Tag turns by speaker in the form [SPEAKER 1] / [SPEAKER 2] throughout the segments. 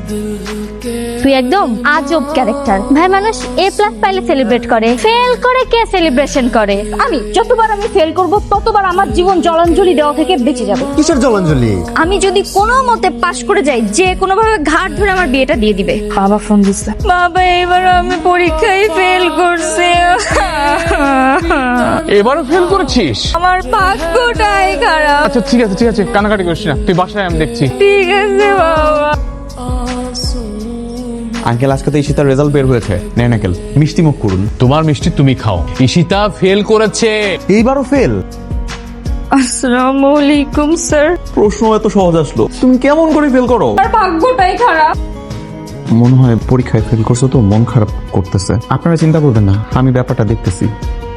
[SPEAKER 1] তুই একদম আজব ক্যারেক্টার। ভাই মানুষ A+ পাইলে সেলিব্রেট করে, ফেল করে কে সেলিব্রেশন করে?
[SPEAKER 2] আমি যতবার আমি ফেল করব ততবার আমার জীবন জলাঞ্জলি দেওয়া থেকে বেঁচে যাবে।
[SPEAKER 3] কিসের জলাঞ্জলি?
[SPEAKER 1] আমি যদি কোনো মতে পাশ করে যাই, যে কোনো ভাবে ঘাট ধরে আমার বিয়েটা দিয়ে দিবে।
[SPEAKER 2] বাবা ফোন দিছে।
[SPEAKER 1] বাবা এবার আমি পরীক্ষায় ফেল করছি।
[SPEAKER 4] এবারও ফেল করেছিস?
[SPEAKER 1] আমার ভাগ্যটাই খারাপ।
[SPEAKER 4] আচ্ছা ঠিক আছে কানাকাটি করিস না, তুই বাসায় আমি দেখছি।
[SPEAKER 1] ঠিক আছে বাবা।
[SPEAKER 5] আঙ্কেল আজকে তো ঈশিতার রেজাল্ট বের হয়েছে, নেন আঙ্কেল মিষ্টি মুখ করুন।
[SPEAKER 4] তোমার মিষ্টি তুমি খাও। ঈশিতা ফেল করেছে।
[SPEAKER 5] এইবারও ফেল?
[SPEAKER 1] আসসালামু আলাইকুম স্যার।
[SPEAKER 5] প্রশ্ন এত সহজ আসলো, তুমি কেমন করে ফেল করো?
[SPEAKER 1] আমার ভাগ্যটাই খারাপ।
[SPEAKER 5] মনে হয় পরীক্ষায় ফেল করছো তো মন খারাপ করতেছে। আপনারা চিন্তা করবেন না, আমি ব্যাপারটা দেখতেছি।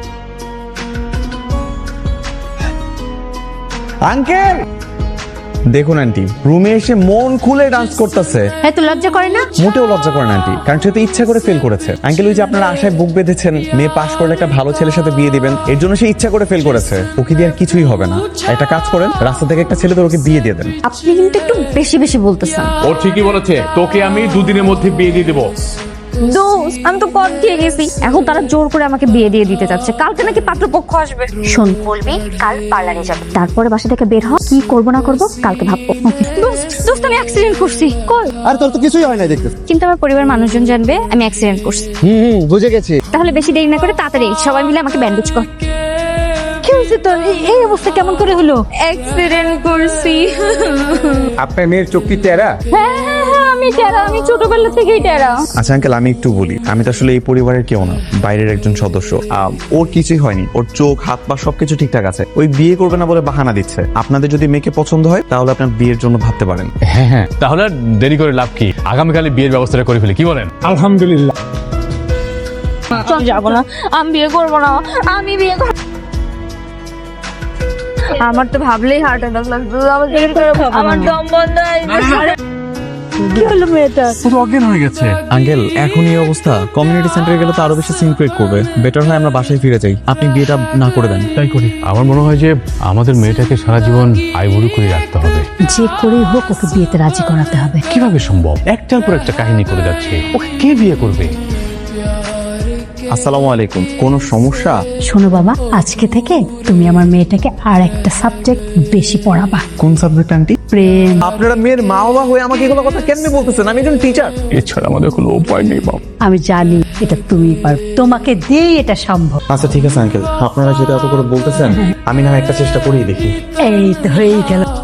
[SPEAKER 5] আঙ্কেল দেখুন আন্টি রুমে এসে মন খুলে ডান্স করতেছে।
[SPEAKER 1] এত লজ্জা করে না?
[SPEAKER 5] মোটেও লজ্জা করে না আন্টি, কারণ সে তো ইচ্ছা করে ফেল করেছে। আঙ্কেল ওই যে আপনারা আশায় বুক বেঁধেছেন মেয়ে পাশ করলে একটা ভালো ছেলের সাথে বিয়ে দিবেন, এর জন্য সে ইচ্ছা করে ফেল করেছে। ওকে দিয়ে আর কিছুই হবে না। একটা কাজ করেন, রাস্তা থেকে একটা ছেলে ওকে বিয়ে দিয়ে দেন।
[SPEAKER 1] আপনি কিন্তু একটু বেশি বেশি বলতেছেন।
[SPEAKER 4] ও ঠিকই বলেছে, তোকে আমি 2 দিনের মধ্যে বিয়ে দিয়ে দেবো।
[SPEAKER 1] দোস্ত আমি তো পথ দিয়ে গেছি, এখন তারা জোর করে আমাকে বিয়ে দিয়ে দিতে চাচ্ছে। কালকে নাকি পাত্রপক্ষ আসবে। শোন, বলবি কাল পার্লারে যাবে, তারপরে বাসা থেকে বের হ। কি করবো না করবো কালকে ভাববো। দোস্ত আমি অ্যাক্সিডেন্ট করছি। কই?
[SPEAKER 3] আর তোর তো কিছুই হয় না দেখতেছ।
[SPEAKER 1] কিন্তু আমার পরিবার মানুষজন জানবে আমি অ্যাক্সিডেন্ট করছি।
[SPEAKER 3] বুঝে গেছি।
[SPEAKER 1] তাহলে বেশি দেরি না করে তাড়াতাড়ি সবাই মিলে আমাকে ব্যান্ডেজ কর। কি হয়েছে তোর? এই অবস্থা কেমন করে হলো? অ্যাক্সিডেন্ট করছি।
[SPEAKER 6] আপনার মেয়ের চোখ কি টেরা?
[SPEAKER 1] হ্যাঁ আমি টেরা, আমি ছোটবেলা থেকেই টেরা।
[SPEAKER 5] আচ্ছা আঙ্কেল আমি একটু বলি, আমি তো আসলে এই পরিবারের কেউ না, বাইরের একজন সদস্য। ওর কিছুই হয়নি, ওর চোখ হাত পা সবকিছু ঠিকঠাক আছে। ওই বিয়ে করবে না বলে বাহানা দিচ্ছে। আপনাদের যদি মেয়েকে পছন্দ হয় তাহলে আপনার বিয়ের জন্য ভাবতে পারেন।
[SPEAKER 4] হ্যাঁ তাহলে আর দেরি করে লাভ কি, আগামীকালে বিয়ের ব্যবস্থাটা করে ফেলি, কি বলেন?
[SPEAKER 6] আলহামদুলিল্লাহ।
[SPEAKER 1] চল যাবো না, আমি বিয়ে করবো না। আমি বিয়ে করব। আমার তো ভাবলেই হার্ট অ্যাটাক লাগছে। আমার দম বন্ধ হয়ে যাচ্ছে। কি হলো মেয়েটা?
[SPEAKER 4] পুরো অজ্ঞান হয়ে গেছে।
[SPEAKER 5] আঙ্কেল এখন এই অবস্থা, কমিউনিটি সেন্টারে গেলে তো আরো বেশি সিন ক্রিয়েট করবে। বেটার হয় আমরা বাসায় ফিরে যাই, আপনি বিয়েটা না করে দেন।
[SPEAKER 4] তাই করি। আমার মনে হয় যে আমাদের মেয়েটাকে সারা জীবন আইবুড়ো করে রাখতে হবে।
[SPEAKER 2] যে করেই হোক ওকে বিয়েতে রাজি করাতে হবে।
[SPEAKER 4] কিভাবে সম্ভব? একটার পর একটা কাহিনী করে যাচ্ছে, ওকে কে বিয়ে করবে?
[SPEAKER 5] আসসালামু আলাইকুম, কোনো সমস্যা?
[SPEAKER 2] শোনো বাবা, আজকে থেকে তুমি আমার মেয়েটাকে আর একটা সাবজেক্ট বেশি পড়াবা।
[SPEAKER 5] কোন সাবজেক্ট আন্টি?
[SPEAKER 2] প্রেম।
[SPEAKER 5] আপনারা মেয়ের মা বাবা হয়ে আমাকে এগুলো কথা কেমনে বলতেছেন? আমি একজন টিচার।
[SPEAKER 4] এছাড়া আমাদের কোনো উপায় নেই বাবা।
[SPEAKER 2] আমি জানি এটা তুমি পারবে, তোমাকে দিয়েই এটা সম্ভব।
[SPEAKER 5] আচ্ছা ঠিক আছে আঙ্কেল, আপনারা যেটা এত করে বলতেছেন আমি না হয় একটা চেষ্টা করেই দেখি।
[SPEAKER 2] এই তো হয়েই গেল।